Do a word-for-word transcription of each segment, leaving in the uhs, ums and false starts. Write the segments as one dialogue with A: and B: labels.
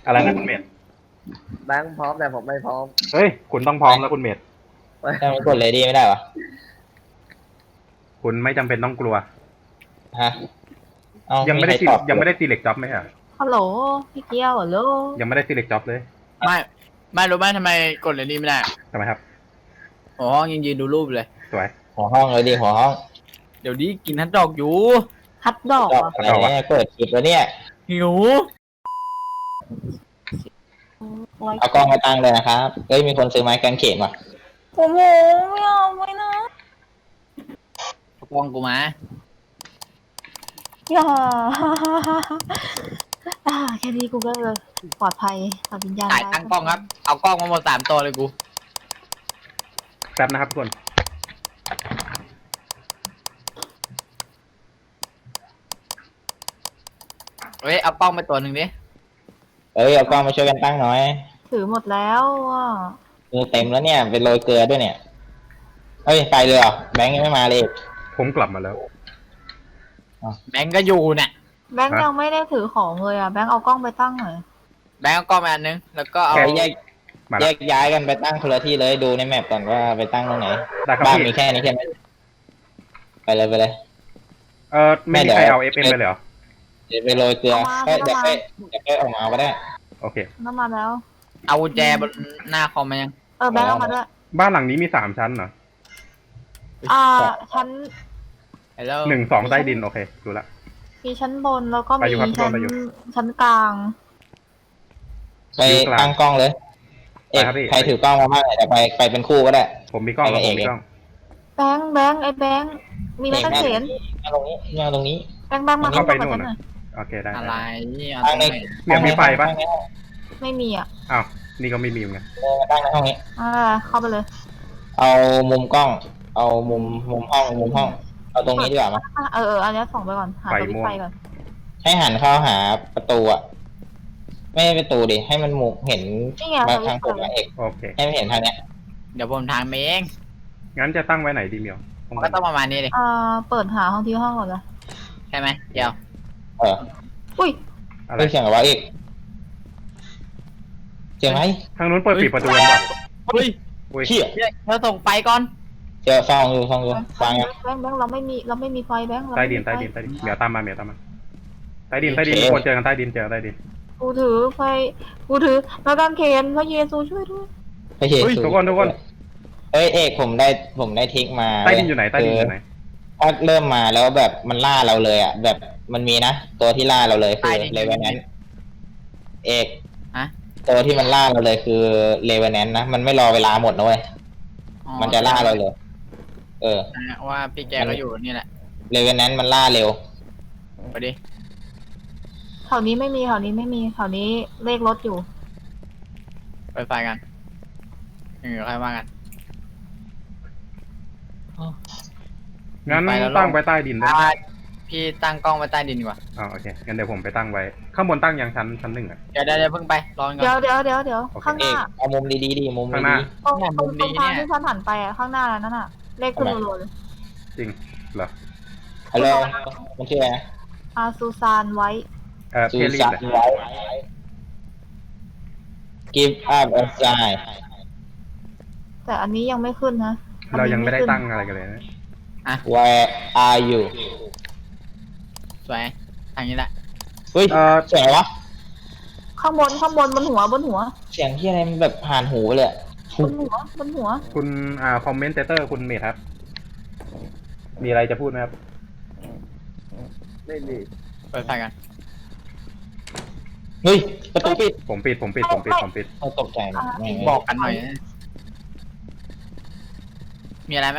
A: อะไรนะคุณเมธ
B: แบงค์พร้อมแต่ผมไม่พร้อม
A: เฮ้ยคุณต้องพร้อมแล้วคุณเมธ
C: ทำไมกดเลดี้ไม่ได้วะ
A: คุณไม่จำเป็นต้องกลัว
C: ฮะเอา
A: ยังไม่ได้
C: ใคร
A: ซี
C: ตอบ
A: ยังไม่ได้ซีเล็กจ็อบไหมอ่ะ
D: ฮัลโหลพี่เกียวฮัลโหล
A: ยังไม่ได้ซีเล็กจ็อบเลย
E: ไม่ไม่รู้ไหมทำไมกดเลยนี่ไม่ได้
A: ทำไมครับ
E: อ๋อยังยืนดูรูปเลย
A: สวย
C: หัวห้องเลยดิหัวห้อง
E: เดี๋ยวนี้กินฮัทดอกอยู่
D: ฮัตดอก
C: ตอบ
D: อ่ะ
C: อะไรเนี่ยเปิดคลิปแล้วเนี่ย
E: หิว
D: ไว้
C: เอากล้องมาตั้งเลยนะครับเฮ้ยมีคนซื้อไม้กางเขนว่ะ
D: โอ้โหไม่เอาไม่นะ
E: เอากล้องกูมา
D: อย่าอ่าแค่นี้กูก็ปลอดภัยตัดวิญญาณ
E: ถ่ายตั้งกล้องครับ เอากล้องมาหมดสามตัวเลยกู
A: แป๊บนะครับทุกคน
E: เฮ้ยเอากล้องไปตัวหนึ่งดิ
C: เอ้ยเอากล้องมาช่วยกันตั้งหน่อย
D: ถือหมดแล้วอ่ะ
C: มือเต็มแล้วเนี่ยเป็นโรยเกลือด้วยเนี่ยเฮ้ยไปเลยเหรอแบงค์ยังไม่มาเลย
A: ผมกลับมาแล้ว
E: แบงก์ก็อยู่เนี่ย
D: แบงค์ยังไม่ได้ถือของเลยอ่ะแบงค์เอากล้องไปตั้งหน่อย
E: แบงก์เอากล้องมาอันนึงแล้วก็เอา
C: เอาแยก
A: มา
C: แย
A: แล้ว
C: กย้ายกันไปตั้งคนละที่เลยดูในแมปก่อนว่าไปตั้งตรงไหน
A: ได้ครับ
C: บ้าน
A: พี่
C: มีแค่นี้ใช่ไหมไปเลยไปเลย
A: เออไม่มีใครเอาเอฟเอ็มไปเลยเหรอ
C: เดี๋ยวไปโรยเกลือเฮ้ยเดี๋ยวไปเดี๋ยวไปออกมาก็ได้
A: โอเค
D: น้ำมาแล้ว
E: เอากุญแจบนหน้าคอมมายัง
D: เออแบงค์เอามาด้วย
A: บ้านหลังนี้มีสามชั้นเหรอ
D: อ่าชั้น
E: ฮัลโหล
A: หนึ่งสองใต้ดินโอเคดูละ
D: มีชั้นบนแล้วก็
A: ไปอยู่
D: มี
A: ครับ
D: ชั้น
A: ไปอยู่
D: ชั้นกลาง
C: ไปตั้งกล้องเลยเอก
A: ไปครับพี่
C: ใครถือกล้องมาบ้างเดี๋ยวไปไปเป็นคู่ก็ได้
A: ผมมีกล้อง
C: ไปกับ
A: ผมมี
C: เอก
A: กล้อง
D: แบงค์แบงค์ไอ้แบงค์มีไม้กางเขน
C: มาตรงนี้มาตรงนี้
D: แบงค์แบงค์มา
A: เข้าไป
D: ข้
A: นู่น
D: ห
A: นะ
D: น่อย
A: โอเคได้
E: อะไร
A: ได้
E: เอา
C: ตั้งใน
A: เหมียวมีไฟปะ
D: ไม่มีอ่ะ
A: อ้าวนี่ก็ไม่มีเหมือนกัน
C: ตั้งในห้องนี้
D: อ่าเข้าไปเลย
C: เอามุมกล้อง เอามุมมุมห้องมุมห้อง เอาตรงนี้ดีกว่ามั้ย
D: อ่ะเออเอออันนี้ส่องไปก่อนหาตัววิไฟก่อน
C: ให้หันเข้าหาประตูอะไม่ใช่ประตูดิให้มันมุมเห็น
D: นี่ไง
C: มา
D: ตัววิ
C: ทาง
D: ไฟ
C: ผมนะเอก
A: โอเค
C: ให้มันเห็นทางเนี้ย
E: เดี๋ยวผมทางเอง
A: งั้นจะตั้งไว้ไหนดีเหมียวห้อง
E: ก็ต้องประมาณนี้เลย
D: อ่าเปิดหาห้องที่ห้องก่อนเลย
E: ใช่ไหมเดี๋ยว
C: เออ
D: อุ้ย
A: อะไร
C: เฮ้ยเสียงอะไรวะเอกเสียงไหม
A: ทางนู้นเปิดปิดประตูกันป่ะ
E: เฮ้ย
A: อุ้ย
C: เขี้ย
E: เธอส่งไฟก่อน
C: เจอฟองอยู่ฟองอยู่ฟัง
D: แบ
C: ยัง
D: งค์แบงค์แบงค์เราไม่มีเราไม่มีไฟแบงค์เรา
A: ใต้
D: ไม่
A: ดิ
D: มี
A: น
D: ไฟ
A: ใต้ดินใต้ดินเหมียวตามมาเหมียวตามมาใต้ดินใต้ดินทุกคนเจอกันใต้ดินเจอใต้ดิน
D: กูถือไฟกูถือไม้กางเขนพระเยซูช่วยด้วย
C: ไม่ใช่
A: เฮ้ยทุกคนทุกคน
C: เอ้ยเอกผมได้ผมได้ทิกมา
A: ใต้ดินอยู่ไหนใต้ดินอยู่ไหน
C: ถ้าเริ่มมาแล้วแบบมันล่าเราเลยอ่ะแบบมันมีนะตัวที่ล่าเราเลยคือเลเวนแนนเอก
E: ฮะ
C: ตัวที่มันล่าเราเลยคือเลเวนแนนนะมันไม่รอเวลาหมดนะเว้ย
E: อ๋อ
C: มันจะล่าเราเลย เออ
E: ว่าพี่แกก็อยู่นี่แหละ
C: เลเวนแนนมันล่าเร็ว
E: ไปดิ
D: แถวนี้ไม่มีแถวนี้ไม่มีแถวนี้เลขรถอยู่
E: ไปไฟกันเออใครว่ากัน
A: งั้น
E: ไปแล้ว
A: ตั้งไว้ใต้ดินได้
E: อ่าพี่ตั้งกล้องไว้ใต้ดินดีกว่า
A: อ๋อโอเคงั้นเดี๋ยวผมไปตั้งไว้ ข้างบนตั้งยังชั้นชั้นหนึ่งอ่ะ
E: เดี๋ยวเดี๋ยวเดี๋ยวเพิ่งไปรอก่อน
D: เดี๋ยวเดี๋ยวเดี๋ยวเดี๋ยว
A: โอเค
D: ข้างห
C: เอ
D: น้าก
C: เอามุมดีๆดิมุม
A: ข้างหน้า
C: ดี
D: ตรง
E: เนี่ย
D: ตรง
E: มุม
D: ต
E: ดี
D: รงทาง
E: เนี่ย
D: ที่ฉันหันไปอ่ะข้างหน้านั่นน่ะ เลขคุณโรน
A: จริงเหรอ
C: ๆฮัลโหลมันชื่ออะไรนะ
D: อาซูซานไว้
A: เออ
C: ซู
A: เพลลี่
C: ซา
A: เลย
C: ไว้ give up a sign
D: แต่อันนี้ยังไม่ขึ้นนะอัน
A: เรา
D: นี้
A: ยังไม่ได้
D: ขึ้น
A: ตั้งอะไรกันเลยนะ
C: where are you
E: สวยทางนี้แหละ
C: เฮ้ย
A: เออ
C: เสียงอะไรวะ
D: ข้างบนข้างบนบนหัวบนหัว
C: เสียงที่อะไรมันแบบผ่านหูไปเลยอะ
D: บนหัวบนหัว
A: คุณอ่าคอมเมนเตอร์คุณเมธครับ มีอะไรจะพูดไหมครับ
B: ไม่มี
E: ไปไฟกัน
C: เฮ้ยประตูปิด
A: ผมปิดผมปิดผมปิดผมปิด
C: เราตกใจหมดแม่ง
E: บอกกันหน่อยนะมีอะไรไหม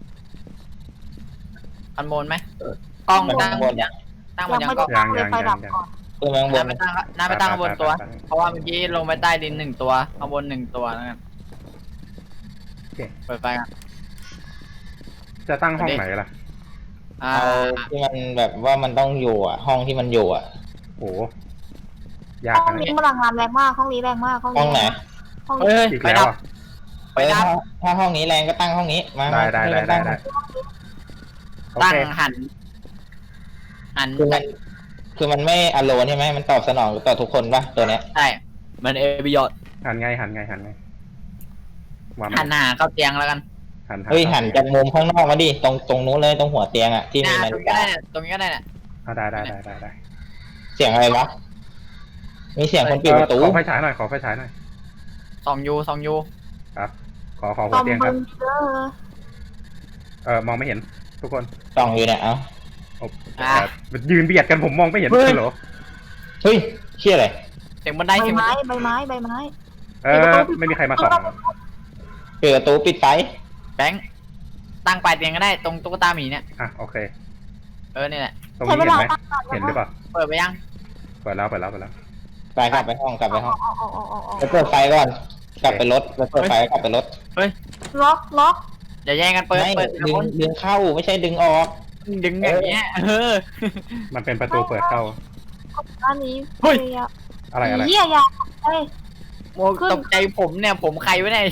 E: คันโบนไหมกล้องตั้งหมดยังตั้งหม
D: ยั
E: ด
D: ง
E: ยัง
D: ไม่
E: กล้
D: ได้
E: อง
D: ตั้งเลยไฟดับก่อน
C: ขึ้นมาข้างบ
E: น้าน ไปตั้งน้าไปตั้งข้างบนตัว
A: ไปไปไป
E: เพราะว่าเมื่อกี้ลงไปใต้ดินหนึ่งตัวข้างบนหนึ่งตัวแล้วกัน
A: โอเค
E: เปิดไฟกัน
A: จะตั้งห้องไหนล่ะ
E: อ่า
C: เอาที่มันแบบว่ามันต้องอยู่อ่ะ ห้องที่มันอยู่อ่ะ
A: โอ้ยาก
D: ห้อง
A: นะ
D: นี้
A: เนี่ย
D: พลังงานแรงมากห้องนี้แรงมากห้อง
C: ห้
D: นี้
C: องไหน
D: ห้อง
E: เฮ้
D: นี้
E: ย
A: อีก
E: ไฟ
A: แล้ว
E: ดับ
A: อ่ะ
E: ไฟดับ
C: เออถ้าถ้าห้องนี้แรงก็ตั้งห้องนี้มา
A: ได้
C: มา
A: ได้ได้
C: ให้มัน
A: ได้
C: ตั้ง
A: ได้โอ
E: ตั้ง
A: เค
E: หัน หัน
C: คือมันคือมันไม่อโลนใช่ไหมมันตอบสนองต่อทุกคนป่ะตัวเนี้ย
E: ใช่มันเอบิยอด
A: หันไงหันไงหันไงวาง
E: หันหาเข้าเตียงแล้วกัน
A: หัน
C: เฮ้ยหันจากมุมข้างนอกมาดิตรงตรงนู้นเลยตรงหัวเตียงอ่ะที่มี
E: น่า
C: นา
E: ตร
C: ฬิ
E: งนี้ก็
C: กา
E: ได้เนี่ยตรงนี้ก็ได้เนี่ย
A: อ่ะได้ได้ได้ได้ได้
C: เสียงอะไรวะมีเสียงคนปิดประตู
A: ขอไฟฉายหน่อยขอไฟฉายหน่อย
E: สองยูสองยู
A: ครับ ขอขอหั
D: ต
A: ว
D: อม
A: เตียงค
D: เบิ
A: รับ
D: งเด้อ
A: เออมองไม่เห็นทุกคน
C: ส่องอยู่เนี่ยเอ้า
A: โอ้ยืนเบียดกันผมมองไม่เห็นเหรอ
C: เฮ้ยเชี่ยอะไร
E: เสียงบันได
D: ใบ
E: เสียงบัน
D: ไม้
E: ได
D: ใบไม้ใบไม้
A: เออไม่มีใครมาส่อง
C: เปิดประตูปิดไฟ
E: แบงค์ตั้งปลายเตียงก็ได้ตรงตุ๊กตาหมีเนี่ย
A: อ่ะโอเค
E: เออนี่แหละ
A: ตรง
D: ใช้
A: นี้
D: เว
A: เห็น
D: ลา
A: ไหม
D: ตั้งนาน
A: เห็นหรือเปล่า
E: เปิดไปยัง
A: เปิดแล้วเปิดแล้วเปิดแล้ว
C: ไปกลับไปห้องกลับไปห้อง
D: ออกออกออกออกออก
C: ไปเปิดไฟก่อน กลับไปรถไปเปิดไฟกลับไปรถ
D: ล็อกล็อก
E: อย่าแย่งกันเปิด
C: ไม่
E: เปิด
C: ดึงดึงเข้าไม่ใช่ดึงออก
E: ดึงอย่างเงี้ยเออ
A: มันเป็นประตูเปิดเข้า
D: อันนี้
E: เฮ้ย
A: อะไรอะไร
D: เฮียยาเอ้ย
E: โอ้ตกใจผมเนี่ยผมใครวะเนี่ย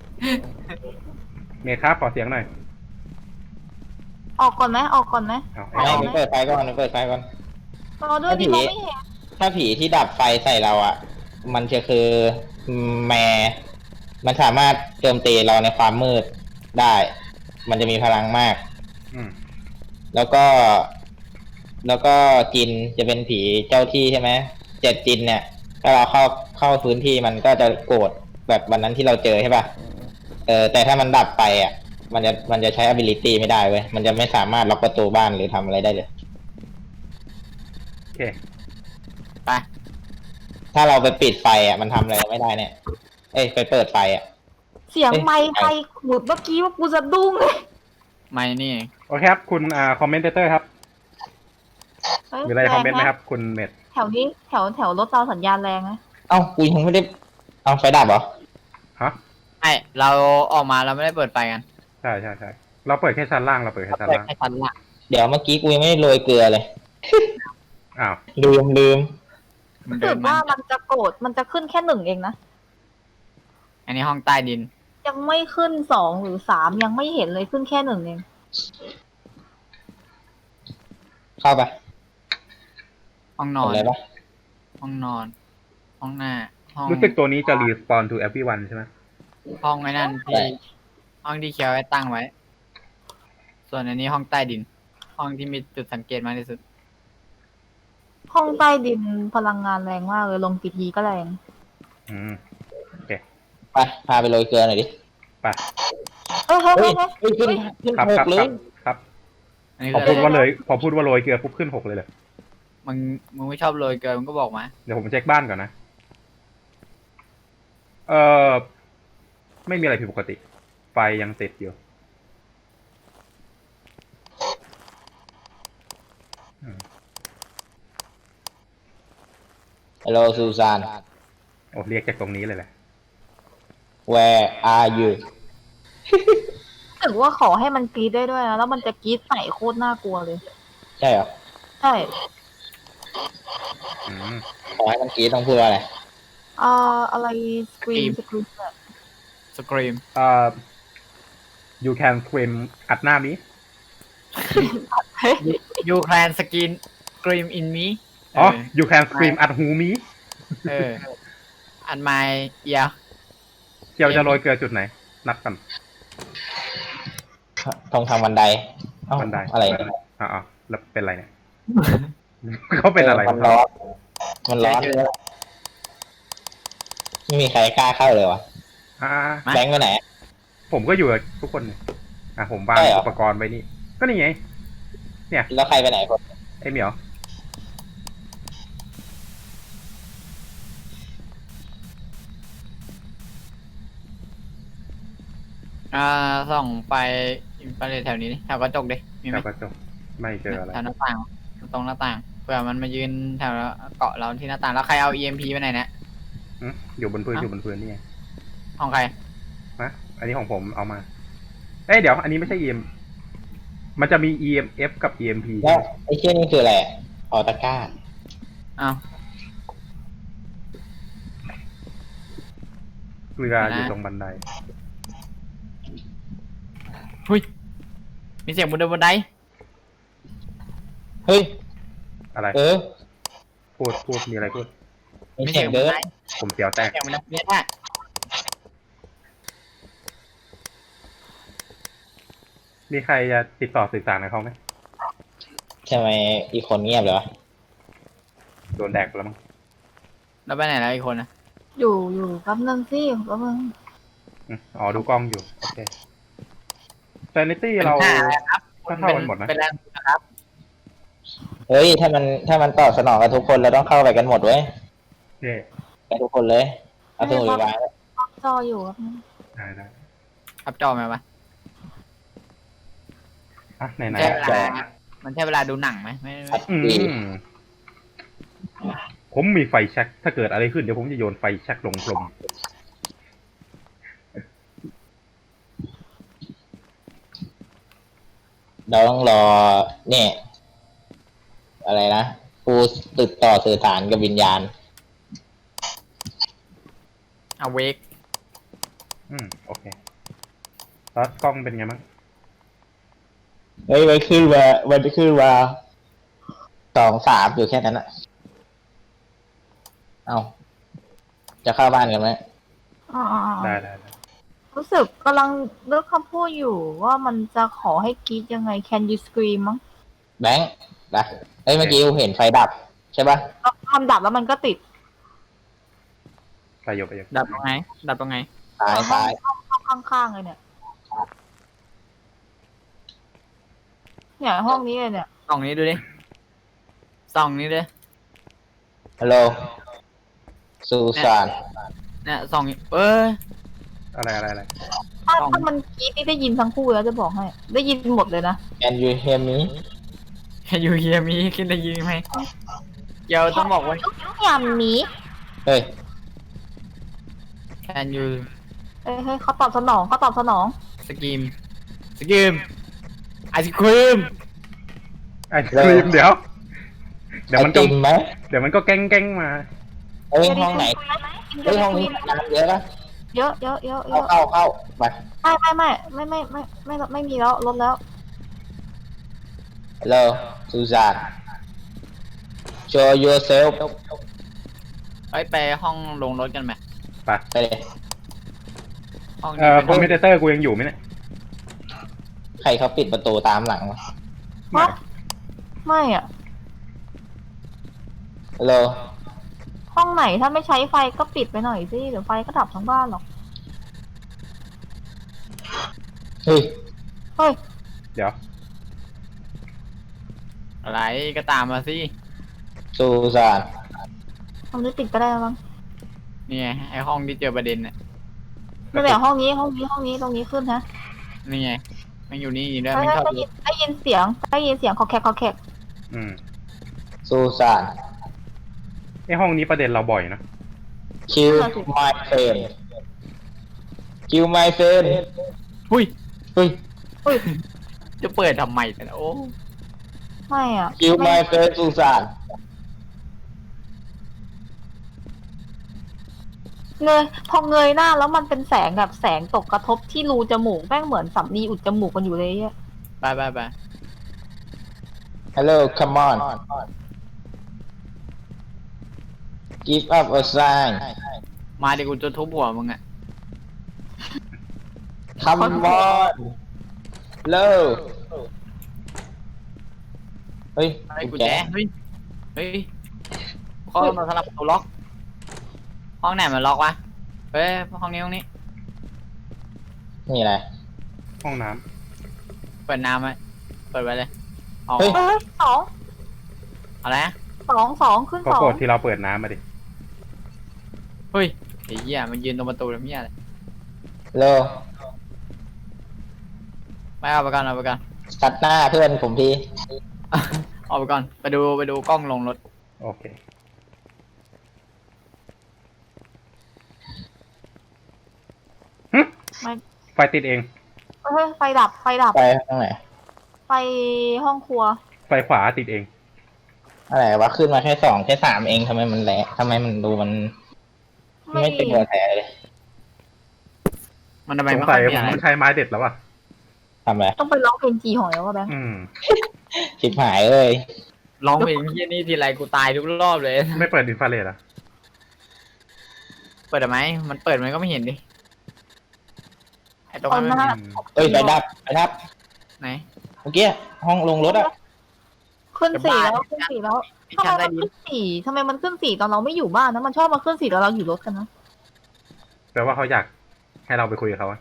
A: เมครับขอเสียงหน่อย
D: ออกก่อนไหมออกก่อนไหม
A: เอา
C: ไม่
A: เอา
C: ไปเปิดไฟก่อนไปเปิดไฟก่อน
D: รอด้วยดิมองไม่เห็น
C: ถ้าผีที่ดับไฟใส่เราอ่ะ มันจะคือแมร์มันสามารถโจมตีเราในความมืดได้ มันจะมีพลังมาก
A: อืม
C: แล้วก็ แล้วก็จินจะเป็นผีเจ้าที่ใช่ไหมเจ็ดจินเนี่ย ถ้าเราเข้าเข้าพื้นที่มันก็จะโกรธแบบวันนั้นที่เราเจอใช่ป่ะ เออแต่ถ้ามันดับไปอ่ะ มันจะมันจะใช้ ability ไม่ได้เว้ย มันจะไม่สามารถล็อกประตูบ้านหรือทำอะไรได้เลย
A: โอเค
E: ไป
C: ถ้าเราไปปิดไฟอ่ะมันทำอะไรไม่ได้เนี่ย เอ้ยไปเปิดไฟอ่ะ
D: เสียงไมค์ใครหมุดเมื่อกี้ว่ากูจะดุ้งเลย
E: ไม่นี่เอง
A: โอเคครับคุณอ่าคอมเมนเตอร์ครับ
D: เฮ้ย
A: มีอะไรคอมเมนต์ไหม
D: แง
A: ครับ คุณเมด
D: แถวนี้แถวแถวรถเราสัญญาณแรงนะ
C: เอ้ากูยังไม่ได้ เอาไฟดับเหรอ
A: ฮะ
E: ไอเราออกมาเราไม่ได้เปิดไฟกัน
A: ใช่ใช่ใช่เราเปิดแค่ชั้นล่างเราเปิดแค่ชั้น
E: เปิด
A: ล่าง
E: แค่ชั้นล่าง
C: เดี๋ยวเมื่อกี้กูยังไม่ได้โรยเกลือเลย
A: อ้าว
C: ลืมลืม
E: มัน
D: รู้
E: เดิ
D: สึ
E: น
D: ก
E: มา
D: ว่ามันจะโกรธมันจะขึ้นแค่หนึ่งเองนะ
E: อันนี้ห้องใต้ดิน
D: ยังไม่ขึ้นสองหรือสามยังไม่เห็นเลยขึ้นแค่หนึ่งเอง
C: เข้าไป
E: ห้องนอ
C: เห็น
E: น
C: เลยปะ
E: ห้องนอน ห้องหน้าห้อง
A: รู้สึกตัวนี้จะรีสปอน to everyone ใช่ไหม
E: ห้องไอ้นั่นที่ห้องที่เคียวไว้ตั้งไว้ ส่วนอันนี้ห้องใต้ดิน ห้องที่มีจุดสังเกตมากที่สุด
D: ห้องใต้ดินพลังงานแรงมากเลยลงกี่ทีก็แรง
A: อืม
C: ไปพาไปโรยเกลือหน่อยดิ
A: ไป
D: เฮ้ยเฮ้ย
C: เฮ้
D: เฮ้
C: ย
D: ยเฮ้ย
C: เฮ้ยขึ้นขึ้น
A: ครับ
C: ห
A: ครั
C: ก
A: บ
C: เล
A: ครั
C: ย
A: บครับ
E: อันนี้
A: พอ
E: คื
A: พู
E: อ
A: ดว่าเลยพอพูดว่าโรยเกลือปุ๊บขึ้นหกเลยเลย
E: มึงมึงไม่ชอบโรยเกลือมึงก็บอกมา
A: เดี๋ยวผมเช็คบ้านก่อนนะ เออไม่มีอะไรผิดปกติ ไฟยังติดอยู่อืม
C: ฮัลโหลซูซาน
A: โอ้เรียกจากตรงนี้เลยแหละ
C: where are you
D: รู้สึกว่าขอให้มันกรีดได้ด้วยนะแล้วมันจะกรีดใส่โคตรน่ากลัวเลย
C: ใช่เหรอ
D: ใช่
A: อืม
C: ขอให้มันกรีดต้องพูดว่าอะไร
D: เอ่ออะไรสกรีนสกรีน
E: สกรีม
A: เอ่อ you can scream อัดหน้ามี
E: ยูแคลนสกินกรีมอินมี
A: อ๋อ you can scream อัดหูมี
E: เออ อันไมเอีย
A: เจียวจะโรยเกลือจุดไหน นัดกัน
C: ตรงทางบันไดเอ้า
A: บันได
C: อะไรเนี่ย
A: อ๋อๆแล้วเป็นอะไรเนี่ย เขาเป็นอะไร
C: มันร้อน มันร้อนเลยไม่มีใครกล้าเข้าเลยวะ
A: อ่า
C: แบงค์ไปไหน
A: ผมก็อยู่กับทุกคนเนี่ยอ่ะผมวาง
C: ใช่เหรอ
A: อุปกรณ์ไว้นี่ ก็นี่ไง
C: แล้วใครไปไหนคน
A: ไอ้เหมียว
E: อ่าส่องไปไปเลยแถวนี้ดิแถวกระจกดิมีไห
A: แถ
E: ม
A: วกระจกไม่เจออะไร
E: แถวหน้าต่างตรงหน้าต่างเผื่อมันมายืนแถวเกาะเราที่หน้าต่างแล้วใครเอา อี เอ็ม พี ไปไหนเนี่ย
A: อืมอยู่บนพื้น
E: เอ้า
A: อยู่บนพื้นนี่ไง
E: ห้องใคร
A: ฮะอันนี้ของผมเอามา เอ้ยเดี๋ยว อันนี้ไม่ใช่ อี เอ็ม มันจะมี อี เอ็ม เอฟ กับ อี เอ็ม พี
C: แล้วไอ้เชี่ยนี่คืออะไรออตาก้า
E: อ้าว
A: เกลืออยู่ตรงบันได
E: หุยมีเสียงบนเดินบนได
C: เฮ้ย
A: อะไร
C: เออ
A: พูดพูดมีอะไรพูด
C: มีเสียงเดิน
A: ผมเสียวแตก
E: เสียงมันเนี่ยได้
A: มีใครจะติดต่อสื่อสารกับเขาไหม
C: ทำไมอีกคนเงียบเลยวะ
A: โดนแดกไปแล้วมั้ง
E: แล้วไปไหนแล้วอีกคนนะ
D: อยู่อยู่แป๊บนึงสิแป๊บนึง
A: อืมอ๋อดูกล้องอยู่โอเค Sanity เรา
E: ป็นหน้อะไรครับ
A: ก็เท่ากันหมดนะ
E: เป็นแรงนะครับ
C: เฮ้ยถ้ามันถ้ามันตอบสนองกับทุกคนเราต้องเข้าไปกันหมดเว้ย
A: เย่
C: ไปทุกคนเลยเอาสมุดไปวางไว้
D: จออยู่ครับนึง
A: ได้ได้
E: อัพจอไหมวะ
A: อ่ะไหนไหน
E: ใช่เวลามันใช่เวลาดูหนังไหมไม่ไม่
A: อืมผมมีไฟแช็กถ้าเกิดอะไรขึ้นเดี๋ยวผมจะโยนไฟแช็กลงพรม
C: เราต้องรอเนี่ยอะไรนะผู้ติดต่อสื่อสารกับวิญญาณ
E: เอาเวก
A: อืมโอเคแล้วกล้องเป็นไงบ้าง
C: เฮ้ยมันขึ้นมามันจะขึ้นมาสองสามอยู่แค่นั้นอะเอาจะเข้าบ้านกันไหม
D: อ๋ออ๋ออ๋อ
A: ได้ได้ได้
D: รู้สึกกำลังเลือกคำพูดอยู่ว่ามันจะขอให้กรีดยังไง Can you scream มั้ง
C: แบงค์นะเฮ้ยเมื่อกี้กูเห็นไฟดับใช่ปะ
D: แล้วทำดับแล้วมันก็ติด
A: ไปโยไปโย
E: ดับตรงไหนดับตรงไหน
C: ตายตาย
D: ห้องข้างๆเลยเนี่ย เนี่ยห้องนี้เลยเนี่ย
E: ส่องนี้ดูดิส่องนี้ดิ
C: ฮัลโหลซูซาน
E: เนี่ยส่องเออ
A: อะไรอะไรอะไร
D: ถ้า
E: ห้อง
D: ถ้ามันกรีดนี่ได้ยินทั้งคู่แล้วจะบอกให้ ได้ยินหมดเลยนะ
C: แอนยูเฮมิ
E: อยู่เฮียมีขึ้นได้ยินไหมเดี๋ยวต้องบอกว่า
D: ยามนี้
C: เฮ้ย
E: can you
D: เอ้ยเฮ้ยเขาตอบสนองเขาตอบสนอง
E: scream scream ไอศครีม
A: ไอ้ครีมเดี๋ยว เดี๋ยวมัน
C: ไอ
A: ก็
C: ติมไหม
A: เดี๋ยวมันก็แก้งแก้งมา
C: เฮ้ยห้องไหนเฮ้ยห้องนี้น้ำเยอะปะ
D: เยอะเยอะเยอะเย
C: เข้า
D: อะ
C: เข้าเข้าไป
D: ไม่ไม่ไม่ไม่ไม่ไม่ไม่ไม่มีแล้วลดแล้ว
C: ฮัลโหลซูซาน show yourself
E: ไปไปห้องลงรถกันไหม
A: ไป
C: ไปเลย
E: ห้อง
A: เอ่
E: นี้
A: อ
E: เป็น
A: คอมพิวเตอร์กูยังอยู่ไหมเนี่ย
C: ใครเขาปิดประตูตามหลังวะ
A: ไม่
D: ไม่อะ
C: ฮัลโหล
D: ห้องไหนถ้าไม่ใช้ไฟก็ปิดไปหน่อยสิเดี๋ยวไฟก็ดับทั้งบ้านหรอก
C: เฮ้ย
D: เฮ้ย
A: เดี๋ยว
E: อะไรก็ตามมาสิ
C: ซูซาน
D: ห้องนี้ปิดก็ได้แล้วมั้ง
E: นี่ไงไอห้องที่เจอประเด็นเนี่ย
D: ไม่เป็นไรห้องนี้ห้องนี้ห้องนี้ตรงนี้ขึ้นนะ
E: นี่ไงมันอยู่นี่ด้วย
D: ได้
E: มันชอบ
D: ได้ยินได้ยินเสียงได้ยินเสียงคอแคกคอแคก
A: อืม
C: ซูซาน
A: ไอ้ห้องนี้ประเด็นเราบ่อยนะ
C: kill my friend kill my friend
E: หุ้ย
C: เฮ้ย
D: เฮ้ย
E: จะเปิดทำไมแต่ละโอ้
D: ไม่อ่ะ
C: kill
D: ไม่
C: my friend ซูซาน
D: เงยพอเงยหน้าแล้วมันเป็นแสงแบบแสงตกกระทบที่รูจมูกแม่งเหมือนสำลีอุดจมูกกันอยู่เลยอะ
E: ไปไปไป
C: hello come on give up a sign
E: มาเดี๋ยวกูจะทุบหัวมึงอะ
C: come on เร็วเฮ้ย
E: ไอ้
C: กุ
E: กุ
C: ญ
E: ญ
C: แจ
E: แจเฮ้ยเฮ้ยข้อมาสำหรับประตูล็อก ห้องไหนมันล็อกวะเฮ้ยห้องนี้ห้องนี้
C: นี่อะไร
A: ห้องน้
E: เปิดน้ำไหมเปิดไปเลยออก
C: เฮ้ย
D: เฮ้ยสอง
E: อะไรนะ
D: สองสองขึ้น
A: ำก็
D: สอง
A: โกรธที่เราเปิดน้ำมาดิ
E: เฮ้ยไอ้เหี้ยมันยืนตรงประตูแล้วเหี้ยอะไร
C: เร็ว
E: ไม่เอาไปก่อนเอาไปก่อน
C: ตัดหน้าเพื่อนผมที
E: เอาไปก่อนไปดูไปดูกล้องลงรถ
A: โอเค หึ
D: ไม่
A: ไฟติดเอง
D: เฮ้ยไฟดับไฟดับ
C: ไปข้างไหน
D: ไฟห้องครัว
A: ไฟขวาติดเอง
C: อะไรวะขึ้นมาแค่สองแค่สามเองทำไมมันแหละทำไมมันดูมัน
D: ไม่
C: ไม่เป็นหัวแถเลย
E: มันทำไม
A: สง
E: ไม่
A: สั
E: ค่อย ย
A: ผ
E: มี
A: ม
E: อะไร
A: ต้องใช้ไม้เด็ดแล้วอ่ะ
C: ทำอะไร
D: ต้องไปร้องเพลงจีหอยแล้วว่าแบงค์
A: อืม
C: ชิบหายเอ้ย
E: ร้องเพลงเหี้ยนี่ทีไรกูตายทุกรอบเลย
A: ไม่เปิดอินฟราเรดอ่ะ
E: เปิดได้ไหมมันเปิดมันก็ไม่เห็นดิไอ้ตรง
D: ตอ
E: นั้น น
D: ห
E: ไม่
D: น้า
E: มี
C: เอ้ยไปดับไปดับ
E: ไหน
C: เมื่อกี้ห้องลงรถอะ
D: ขึ้นสี่แล้วขึ้นสี่แล้ว
E: ที่
D: ทำไม
E: ชั้น
D: มั
E: ใต้
D: น
E: ดิน
D: ขึ้นสี่ทำไมมันขึ้นสี่ตอนเราไม่อยู่บ้านนะมันชอบมาขึ้นสี่ตอนเราอยู่รถกันนะ
A: แปลว่าเขาอยากให้เราไปคุยกับเขาอะ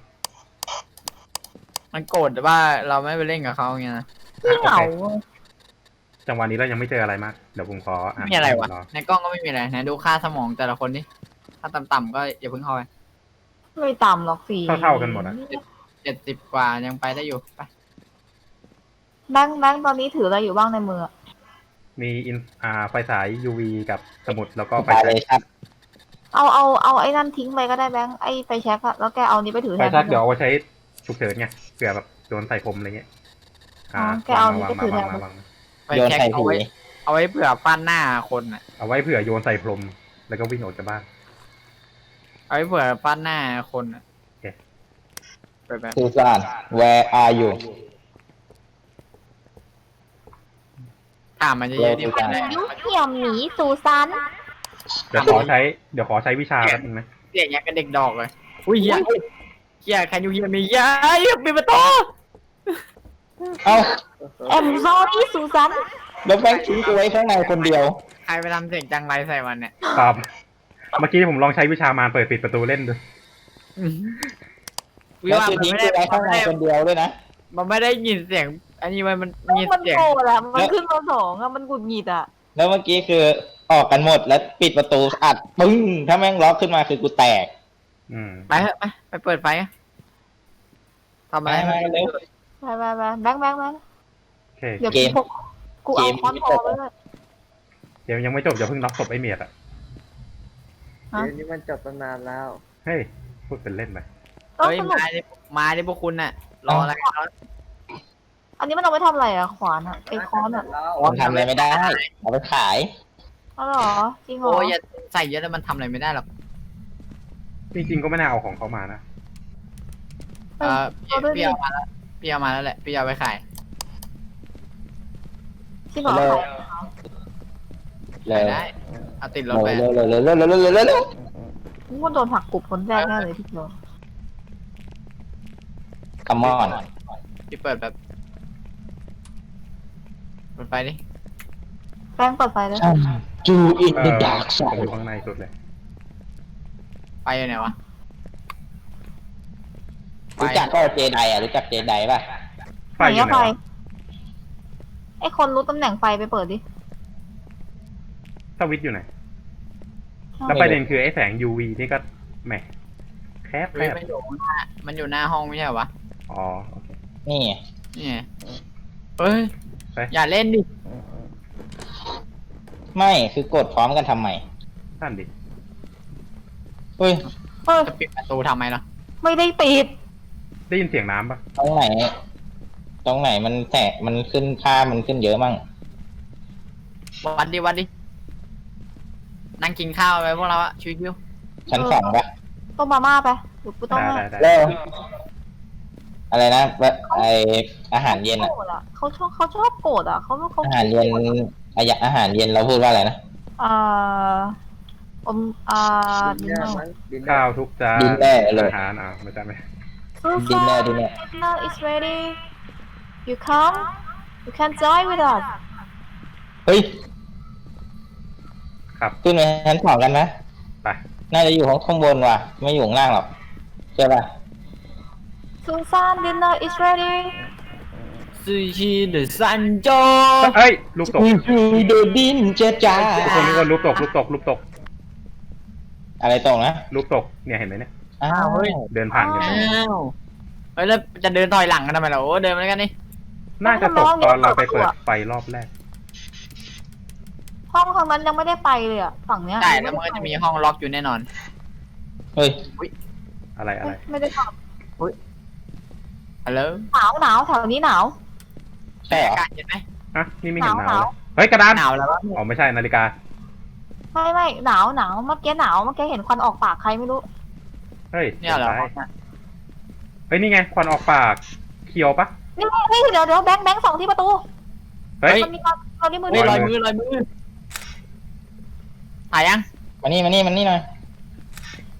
E: มันโกรธว่าเราไม่ไปเล่นกับเขาอย่างเงี้ยนะ
D: ที่เหงา
A: จังหวะนี้เรายังไม่เจออะไรมากเดี๋ยวผมขออ่าน
E: ไม่มีอะไรวะ
A: รอ
E: ในกล้องก็ไม่มีอะไรไหนดูค่าสมองแต่ละคนดิถ้าต่ำๆก็อย่าเพิ่งเข้าไป
D: ไม่ต่ำหรอกสี่
A: เท่าๆกันหมดอะ
E: เจ็ดสิบกว่ายังไปได้อยู่ไป
D: แบงค์แบงค์ตอนนี้ถืออะไรอยู่บ้างในมือ
A: มีอินอ่าไฟฉาย ยู วี กับสมุดแล้วก็ไฟ
C: ไป
A: แช็
C: เลย
A: ก
C: ครับ
D: เอาเอาเอาไอ้นั่นทิ้งไปก็ได้แบงค์ไอ้ไฟแช็กอะแล้วแกเอานี้ไปถือ
A: ไฟ
D: แทน
A: แช็กเดี๋ยวเอาไว้ใช้ฉุกเฉินไงเผื่อแบบโดนใส่ผมอะไรเงี้ย
D: อ๋อแกเอานี้
A: วาง
D: ไป
A: มา
D: ถือแท
A: วาง
D: น
A: มาวางมา
E: ไป
C: โยน
E: เช็ค
C: ใส่
E: เอา
C: ผี
E: ไว้เอาไว้เผื่อฟันหน้าคนอ่ะ
A: เอาไว้เผื่อโยนใส่พรมแล้วก็วิ่งออกจากบ้าน
E: เอาไว้เผื่อฟันหน้าคนอ่ะ
A: โอเค
E: ไปไป
C: ซูซาน where are you
E: ถามมันเยอะๆดิมันได้
D: ยุเหี่ยมหนีซูซัน
A: เดี๋ยวขอใช้เดี๋ยวขอใช้วิชาแป๊บนึงนะ
E: เสียงอย่างกับเด็กดอกเลยอุ้ยเฮียเฮียใครอยู่เฮียมีเฮียไอ้ปิดประตู
C: เอ้า
D: แอมซอรี่ซูซัน
C: แล้วแบงค์ทิ้งกูไว้ข้างในคนเดียว
E: ใครไปทำเสียงจังไรใส่มันเนี่ย
A: ครับเมื่อกี้ผมลองใช้วิชามารเปิดปิดประตูเล่นดู
E: วิ
C: แล้ว
E: ว่า
C: คือ
E: มัน
C: ทิ้ง
E: ไม่
C: กู
E: ได้
C: ไว้ข้างในคนเดียวด้วยนะ
E: มันไม่ได้ยินเสียง อันนี้มันมันมี
D: มัน
E: เสียง
D: โกรธอะมันขึ้นมาสองอะมันกุดหงิดอะ
C: แล้วเมื่อกี้คือออกกันหมดแล้วปิดประตูอัดปึ้งถ้าแม่งล็อกขึ้นมาคือกูแตก
A: อืม
E: ไปเถอะไปไปเปิดไฟอะทำ
C: ไป
E: อะไร
C: มาเร็ว
D: ไปไปไปแบงค์แบงค์แบงค์
A: โอเค
D: เดี๋ยว
C: เกม
D: พกกูเอา
C: เกม
D: ค้อนคอไว้เลย
A: เดี๋ยวยังไม่จบอย่าเพิ่งน็อกศพไอ้เมียดอ่ะ
D: ฮะ
B: เดี๋ยวนี้มันจบตั้งนานแล้ว
A: เฮ้ยพูดเป็นเล่นไป
D: ก็
E: เฮ้ย
D: สนุก
E: มาดิมาดิพวกคุณน่ะ รออะไรกันแล้ว
D: อันนี้มันเอาไว้ทำอะไรอะขวานอะไอ้ค้อนอะ
B: แล้ว
C: มันทำอะไรไม่ได้ เอาไปขาย
D: อ๋อเหรอจริงเหรอ
E: โอ้ยอย่าใส่เยอะแล้วมันทำอะไรไม่ได้หรอก
A: จริงๆก็ไม่น่าเอาของเขามานะ
E: เออพี่พี่เอามาแล้วพี่เอามาแล้วแหละพี่เอาไปขาย
D: จริงเหรอ
C: เลย
E: ขาย
C: เร็ว
E: ได้เอาติดรถ
C: เร็ว
E: ไป
C: เร็วเร็วเร็วเร็วเร็วเร็วเร็วเร็ว
D: กูว่าโดนหักกลุ่มคนแรกแน่เลยที่เจอ
C: คัมมอน
E: พี่เปิดแบบเปิดไฟดิ
D: แป้งเปิดไฟแล้ว
C: จูอิน
A: เอ
C: เด
A: อ
C: อะดาร์กไซ
A: ผมอ
C: ด์
A: ยู่ข้างในสุดเลย
E: ไฟอยู่ไหนวะไฟ
C: รู้จักก็เจไดอ่ะรู้จักเจไดป่ะ
A: ไฟ
D: ไหน
A: อยู่
D: อะ
A: ไหน
D: ไฟ
A: วะ
D: ไอ้คนรู้ตำแหน่งไฟไปเปิดดิ
A: สวิตช์อยู่ไหน แล้วประเด็นคือไอ้แสง ยู วี นี่ก็แหมแคบแค
E: เฮ้ย
A: บ
E: มันอยู่หน้ามันอยู่หน้าห้องไม่ใช่เหรอวะ
A: อ๋อโอเค
C: นี่ไง
E: นี่ไงเฮ้ย
A: ไป
E: อย่าเล่นดิ
C: ไม่คือกดพร้อมกันทำไม
A: นั่นดิ
C: เฮ้ย
D: เฮ้ย
E: จะปิดประตูทำไมล่ะ
D: ไม่ได้ปิด
A: ได้ยินเสียงน้ำปะ
C: ตรงไหน ตรงไหนมันแสะมันขึ้นค่ามันขึ้นเยอะมั่ง
E: วัดดิวัดดินั่งกินข้าวไปพวกเราอะชิว
C: ชั้นสองปะ
D: ต้มมาม่าไปเดี๋ยวกูต้อง
A: ได้
D: ให้
A: ได้ได้
C: เร็วอะไรนะแบบไออาหารเย็นอะ
D: โกรธอะเขาชอบเขาชอบโกรธอะเขาเขา
C: อาหารเย็นอายะอาหารเย็นเราพูดว่าอะไรนะ
D: เอ่ออมอ่า
B: ดิ
D: ดิ
B: น
D: น
B: เน
D: เน
B: อ
D: อ
B: ร์
D: ร์
B: มั้งดินเนอ
A: ข้าว
B: ร์
A: ทุกจาน
C: ดินเนอร์เลย
A: อาหารอ่ะไม่ใช่ไหม
C: ดินเนอร์ดินเนอร์
D: dinner is ready you come you can join with us
C: เฮ้ย
A: ครับ
C: ขึ้นไปชั้นสองกันไหม
A: ไป
C: น่าจะอยู่ข้างข้างบนว่ะ ไม่อยู่ข้างล่างหรอกใช่ป่ะ
D: Susan dinner is ready
E: ๆซูชิเดอะซันโจ
A: เอ้ยลูกตก
C: คือเดดินเจจ้า
A: ทุกคนทุกคนลูกตกลูกตกลูกตก
C: อะไรตรงนะ
A: ลูกตกเนี่ยเห็นไหมเนี่ย
C: อ้าวเฮ้ย
A: เดินผ่านกัน
E: อ้าวเฮ้ยแล้วจะเดินถอยหลังกันทำไมล่ะโอ้เดินมาแล้วกันนี่
A: น่าจะตกตอนเราไปเปิดไฟรอบแรก
D: ห้องทางนั้นยังไม่ได้ไปเลยอะฝั่งเนี้ย
E: ใช่แล้วมันก็จะมีห้องล็อกอยู่แน่นอน
C: เฮ้ย
A: อะไรอะไร
D: ไม่ได้ท
E: ฮัลโหล
D: ำหนาวหนาวแถวนี้หนาว
C: ใช่เหรอ
E: อากาศเย็นไหม
A: อ่ะนี่ไม่เห็นหนาว
D: หนาว
A: เลยเฮ้ยกระดาน
E: หนาวแล้ววะ
A: อ๋อไม่ใช่นาฬิกา
D: ไม่ไม่หนาวหนาวเมื่อกี้หนาวเมื่อกี้เห็นควันออกปากใครไม่รู้
A: เฮ้ย
E: เนี่ยเหรอ
A: ใช่เฮ้ยนี่ไงควันออกปากเคียวปะ
D: นี่นี่เดี๋ยวเดี๋ยวแบงค์แบงค์ส่องที่ประตู
A: เฮ้ย
D: มันมีความเราที่มือ
E: เฮ้ย
D: นี่
E: ลอยมือลอยมือถ่ายยัง
C: มานี่มานี่มานี่หน่อย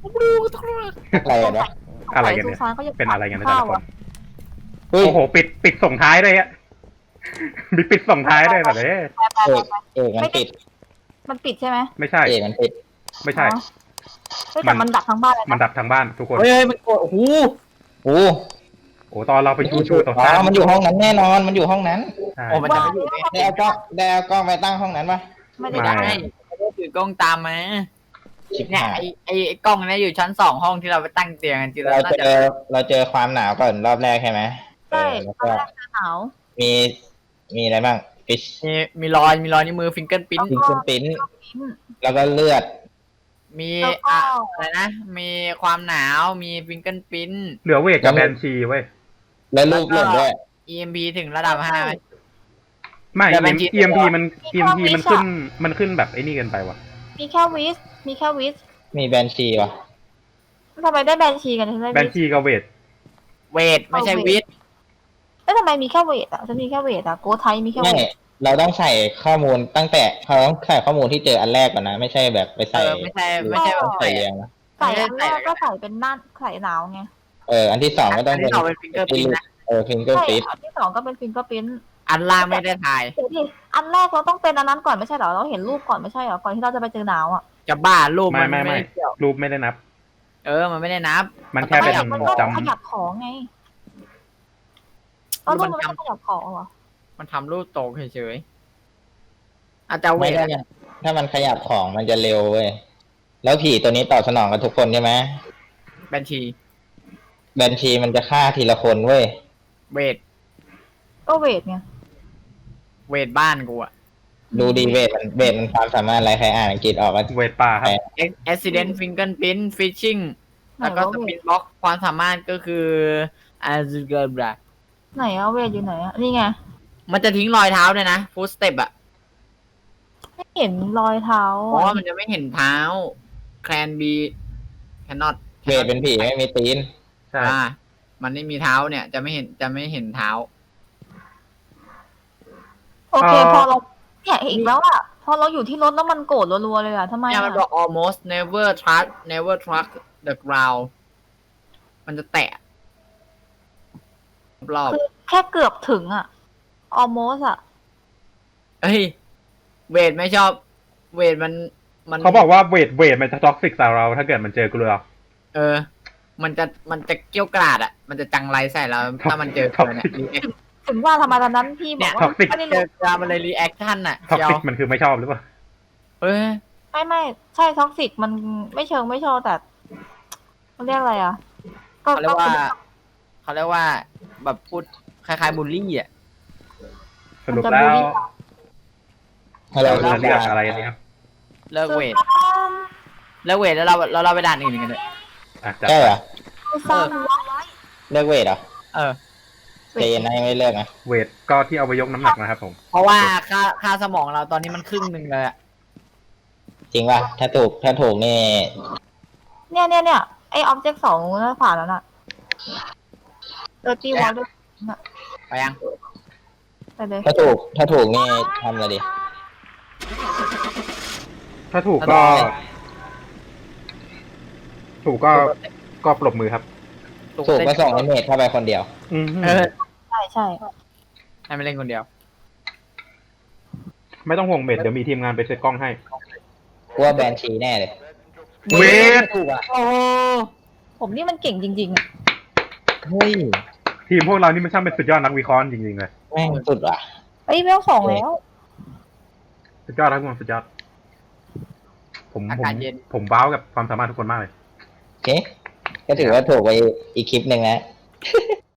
C: อะไรกันวะ
A: อะไรกันเนี่ย
D: สุสานเขายัง
A: เป็นอะไรกันเนี่ยแต่ละคน
C: เฮ้ย
A: โอ้โห ปิดปิดส่งท้ายด้วยอะมีปิดส่งท้ายด้วยแบบนี้
D: ไปไป
C: เอกเอกมันปิด
D: มันปิดใช่ไหม
A: ไม่ใช่
C: เอกมันปิด
A: ไม่ใช่
D: อ๋อเฮ้ยแต่มันดับทั้งบ้านเลย
A: มัน
D: นะ
A: ดับทั้งบ้านทุกคน
E: เฮ้ยเฮ้ยมันกดโอ้โห
C: โอ้
A: โอ้ตอนเราไปชูชูต่อ
C: อ๋
A: ท้าย
C: อมันอยู่ห้องนั้นแน่นอน มันอยู่ห้องนั้น
A: ใช่
E: โอ้มันจะไม่อยู่ไง
C: ได้เอากล้องได้เอากล้องไปตั้งห้องนั้นปะ
D: ไม่
E: ไม่
D: ได้
E: ได้ไม่ได้ถือกล้องตามมา
C: ชิบ
E: เนี่ย
C: หาย
E: ไอไอไอ้กล้องเนี่ยอยู่ชั้นสองห้องที่เราไปตั้งเตียงกันจริงๆ
C: เรา
E: แล้วน่า
C: เจ
E: จะ
C: อเราเจอความหนาวก่อนรอบแรกใช่ไหมเอ
D: ใช่
C: อแล้ว
D: ตอน
C: ก็
D: แรกจะหนาว
C: มีมีอะไรบ้างฟิช
E: มีมีรอยมีรอยนิ้วมือฟิงเกิลปิ้น
C: ฟิงเกิลปิ้นแล้วก็เลือด
E: มี
D: แล้วก็
E: อะอะไรนะ มีความหนาว มีฟิงเกิลปิ้น
A: เหลือเวทกับแบนชีเว้ย
C: แล้วรูปหล่นด้วย
E: อี เอ็ม พี ถึงระดับห้าไหม
A: ไม่
E: แต่ Banshee
A: E M P มัน E M P มันขึ้นมันขึ้นแบบไอ้นี่เกินไปว่ะ
D: มีแค่วิสมีแค่วิส
C: มีแบนชีว่ะ
D: ทำไมได้แบนชีกันใช่ไหม
A: แบนชีกับเวท
E: เวท ไม่ใช่วิท
D: เอ้ยทำไมมีแค่เวทอ่ะฉันมีแค่เวทอ่ะโกไทยมีแค่เว
C: ไม่
D: ท
C: เราต้องใส่ข้อมูลตั้งแต่เราต้องใส่ข้อมูลที่เจออันแรกก่อนนะ ไม่ใช่แบบไป
E: เอ
C: ใส่
E: อไม่ใช่ไม่ใช่แบบ
C: ใส่
E: ใส่
C: เรียงนะ
D: ใส่อันแรกก็ใส่เป็นหน้าใส่หนาวไง
C: เอออันที่สองก็ต้อง
E: อัน
C: เป็น
E: ที่สองเป็นฟิงเกอร์ปิ้นนะ
C: เออฟิงเกิล
D: ใช่
C: ปิ้น
D: อันที่สองก็เป็นฟิงเกอร์พิ้น
E: อันล่างไม่ได้ถ่าย
D: เดี๋ยวดิอันแรกเราต้องเป็นอันนั้นก่อนไม่ใช่เหรอเราเห็นรูปก่อนไม่ใช่เหรอก่อนที่เราจะไปเจอหนาวอ่ะ
E: จะบ้ารูป
A: ไม่
E: มัน
A: ไม่
E: ไม่
A: ไม่
E: ได้เกี่ยว
A: รูปไม่ได้นับ
E: เออ มันไม่ได้นับ
A: มันแค่เป็น
D: มันก็
A: จ
D: ขยับของไงเอารูปมันไม่ขยับของเหรอ
E: มันทำรูปโตเฉยๆอาจจะเว
C: ไม่
E: ท
C: ได้นะถ้ามันขยับของมันจะเร็วเว้ยแล้วผีตัวนี้ตอบสนองกับทุกคนใช่ไหม
E: บัญชี
C: แบนชีมันจะฆ่าทีละคนเว้ย
E: เวท
D: ก็เวทไง
E: เวทบ้านกูอะ
C: ดูดีเวทมันเวทมันความสามารถอะไรใครอ่านอังกฤษออกก็
A: ำเวทป่าครับ
E: accident fingerprint phishing
D: ไหน
E: แล้วก็
D: วะ
E: ส
D: เว
E: ปิ
D: ท
E: นบ็อกความสามารถก็คืออาซูเกอร์บรา
D: ไหนอะเวทอยู่ไหนอะนี่ไง
E: มันจะทิ้งรอยเท้าด้วยนะ ฟูสเต็ปอะ
D: ไม่เห็นรอยเท้า
E: เพราะว่า
D: อะ
E: มันจะไม่เห็นเท้า can be cannot
C: เวทเป็นผีไม่มีตีน
A: ใช่
E: อ่า มันไม่มีเท้าเนี่ย จะไม่เห็นจะไม่เห็นเท้า
D: โอเคพอเราเนี่ยอีกแล้วอะพอเราอยู่ที่รถแล้วมันโกรธรัวๆเลยอะทำไม
E: เนี่ย
D: อะ
E: มันบอก almost never trust never trust the ground มันจะแตะรอบ
D: คือแค่เกือบถึงอะ almost อะ
E: เฮ้ย เวทไม่ชอบ เวทมันมัน
A: เขาบอกว่าเวทเวทมันจะท็อกซิกใส่เรา ถ้าเกิดมันเจอเกลือ
E: เออ มันจะมันจะเกี้ยวกราดอะมันจะจังไรใส่เราถ้ามันเจอเกลือเนี่ย react
D: ถึงว่าทำไมตอนนั้นพี่บอกว่า
A: Toxic
D: ไม่ได้
E: เจ
D: รู้
E: อเกลือมันเลยรีแอคชั่นอะ
A: ท็อก
E: เชียว
A: ซิกมันคือไม่ชอบหรือเปล่า
E: เอ้ย
D: ไม่ไม่ใช่ท็อกซิกมันไม่เชิงไม่ชอบแต่มันเรียกอะไรอะก็
E: เขาเรียกว่า
D: คือ
E: เขาเรียกว่าแบบพูดคล้ายๆบูลลี่อะ
A: สรุปแล้ว
C: ให้เรา
A: เราจะเลือกอะไรอันนี้ครับ
E: เลิกเวท
D: คือซ้
E: เลิกเวทแล้วเราเราเราไปด่านอื่นกันเลย
A: อ่ะจัด
C: ใช่
A: ไป
C: เหรอ
D: ำคือซ้ำ
C: เลิกเวทเหรอ
E: เออ
C: เจนนะยังไม่เลิกนะ
A: เวทก็ที่เอาไปยกน้ำหนักนะครับผม
E: เพราะว่าค่าค่าสมองเราตอนนี้มันครึ่งหนึ่งเลยอะ
C: จริงป่ะถ้าถูกถ้าถูกนี่
D: เนี่ยเนี่ยเนี่ยไอออบเจกต์สองน่าผ่านแล้วน่ะเออตีวอลด้วย
E: ไปยัง
D: ไปเลย
C: ถ้าถูกถ้าถูกนี่ทำอะไรดี
A: ถ้าถูกก็ ถูกก็ก็ปรบมือครับ
C: ถูกก็ส่งไอเมทเข้าไปคนเดียว
A: อืม
E: เออ
D: ใช่ใช่
E: ให้ไม่เล่นคนเดียว
A: ไม่ต้องห่วงเมทเดี๋ยวมีทีมงานไปเซตกล้องให้
C: กลัวแบนชีแน่เลย
A: เวท
C: ถูกอ่ะ
E: โอ้
D: ผมนี่มันเก่งจริงๆอะ
C: เฮ้ย
A: ทีมพวกเรานี่มันช่างเป็นสุดยอดนักวิเคราะห์จริงๆเลย
C: แม่งสุดว่ะ
D: เอ้ยเวลสองแล้ว
A: สุดยอดครับทุกคนสุดยอด ผมผ
E: อาม กาศเย็น
A: ผมว้าวกับความสามารถทุกคนมากเลย
C: โอเค ก็ถือว่าถูกไปอีกคลิปหนึ่งนะ